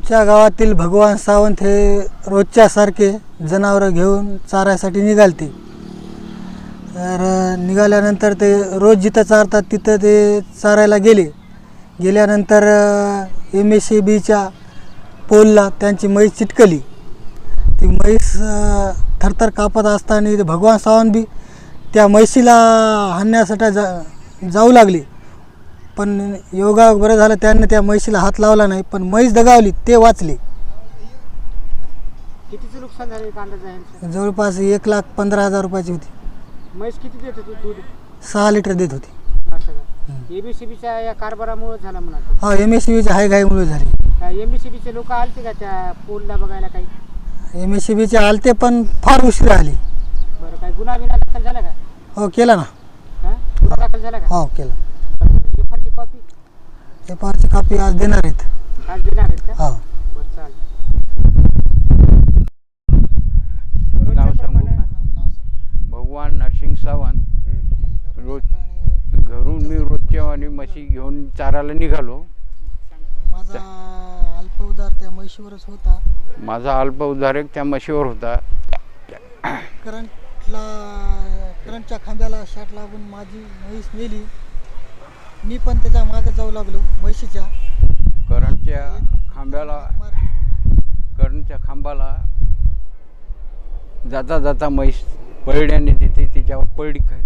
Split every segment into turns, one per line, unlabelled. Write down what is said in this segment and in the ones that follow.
आमच्या गावातील भगवान सावंत हे रोजच्यासारखे जनावरं घेऊन चारायसाठी निघालते. तर निघाल्यानंतर ते रोज जिथं चारतात तिथं ते चारायला गेल्यानंतर MSCBच्या पोलला त्यांची म्हैस चिटकली. ती म्हैस थरथर कापत असताना ते भगवान सावंत बी त्या म्हैसीला हाणण्यासाठी जाऊ लागले. पण योगा बरं झालं त्यांनी त्या म्हैसीला हात लावला नाही, पण म्हैस दगावली, ते वाचले.
कितीचं नुकसान झालं एक अंदाज आहे?
जवळपास 1,15,000 रुपयाची होती.
म्हैस किती देत होती दूध?
6 लिटर देत होती.
असं का? MSCBच्या या कारभारामुळे झाला म्हणा.
हो, MSCBच्या हायघाईमुळे झाली.
MSCBचे लोक आलते का त्या पोलला बघायला काही?
MSCBचे आलते पण फार उशीर आली.
बरं, काय गुन्हा दाखल झाला का?
हो, केला ना.
हां, गुन्हा दाखल झाला का?
हो, केला.
FRची कॉपी?
FRची कॉपी आज देणार आहेत.
आज देणार आहेत का?
हो.
बरं, चालेल.
नाव सांगू का? भगवान नरसिंग सावंत. रोज घरून मी रोजच्या आणि म्हशी घेऊन चारायला निघालो.
माझा अल्प उदार त्या म्हशीवरच होता.
माझा अल्प उद्धारक त्या म्हशीवर होता.
करंटच्या खांब्याला शाट लागून माझी म्हैस मेली. मी पण त्याच्या मागे जाऊ लागलो म्हशीच्या.
करंटच्या खांबाला जाता जाता म्हैस पळड्याने तिथे तिच्यावर पडली. काय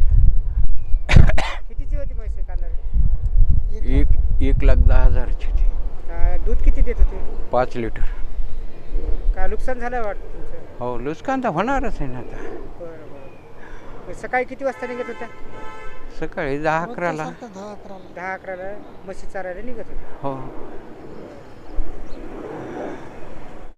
कितीची होती म्हैस कांदा?
1,10,000ची होती.
दूध किती देत होते?
5 लिटर.
काय नुकसान झालं वाटतं तुमचं?
हो, नुकसान तर होणारच आहे ना आता.
बरं बरं. सकाळी किती वाजता निघत होत्या?
सकाळी 10-11ला.
10-11ला.
10-11ला म्हशी चारायला निघत होत्या.
हो.